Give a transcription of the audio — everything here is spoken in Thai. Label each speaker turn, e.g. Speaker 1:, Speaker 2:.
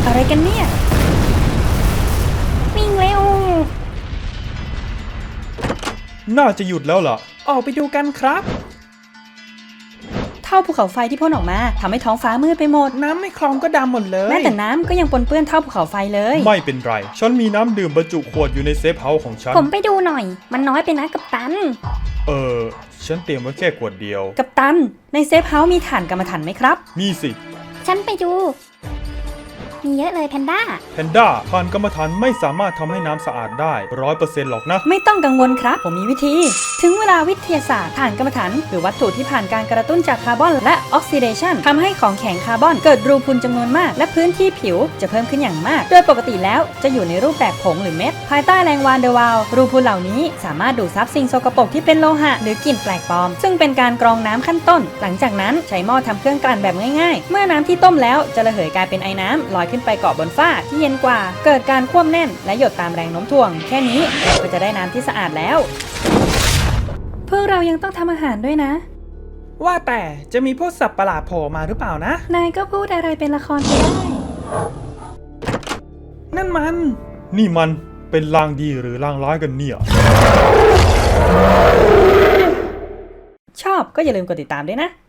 Speaker 1: อะไรกันเนี่ยวิ่งเร็ว
Speaker 2: น่าจะหยุดแล้วล่ะออกไปดูกันครับ
Speaker 1: เท่าภูเขาไฟที่พ่นออกมาทำให้ท้องฟ้ามืดไปหมด
Speaker 2: น้ำในคลองก็ดำหมดเลย
Speaker 1: แม้แต่น้ำก็ยังปนเปื้อนเท่าภูเขาไฟเลย
Speaker 2: ไม่เป็นไรฉันมีน้ำดื่มบรรจุขวดอยู่ในเซฟเฮาส์ของฉัน
Speaker 1: ผมไปดูหน่อยมันน้อยไปนะกัปตัน
Speaker 2: ฉันเตรียมไว้แค่ขวดเดียว
Speaker 1: กัปตันในเซฟเฮาส์มีถ่านกรรมฐานไหมครับ
Speaker 2: มีสิ
Speaker 3: ฉันไปดูมีเยอะเลยแพนด้า
Speaker 2: ถ่านกรรมฐานไม่สามารถทำให้น้ำสะอาดได้ 100% หรอกนะ
Speaker 1: ไม่ต้องกังวลครับผมมีวิธีถึงเวลาวิทยาศาสตร์ถ่านกรรมฐานหรือวัตถุที่ผ่านการกระตุ้นจากคาร์บอนและออกซิเดชันทำให้ของแข็งคาร์บอนเกิดรูพุนจำนวนมากและพื้นที่ผิวจะเพิ่มขึ้นอย่างมากโดยปกติแล้วจะอยู่ในรูปแบบผงหรือเม็ดภายใต้แรงวานเดอร์วาลรูพุนเหล่านี้สามารถดูดซับสิ่งสกปรกที่เป็นโลหะหรือกลิ่นแปลกปลอมซึ่งเป็นการกรองน้ำขั้นต้นหลังจากนั้นใช้หม้อทำเครื่องกลั่นแบบง่ายๆเมื่อน้ำที่ต้มแล้วจะระเหยกลายเป็นไอน้ำลอยขึ้นไปเกาะบนฝ้าที่เย็นกว่าเกิดการควบแน่นและหยดตามแรงโน้มถ่วงแค่นี้เราก็จะได้น้ำที่สะอาดแล้วพวกเรายังต้องทำอาหารด้วยนะ
Speaker 2: ว่าแต่จะมีพวกสัตว์ประหลาดโผล่มาหรือเปล่านะ
Speaker 1: นายก็พูดอะไรเป็นละครไปได้
Speaker 2: นั่นมันเป็นลางดีหรือลางร้ายกันเนี่ย
Speaker 1: ชอบก็อย่าลืมกดติดตามด้วยนะ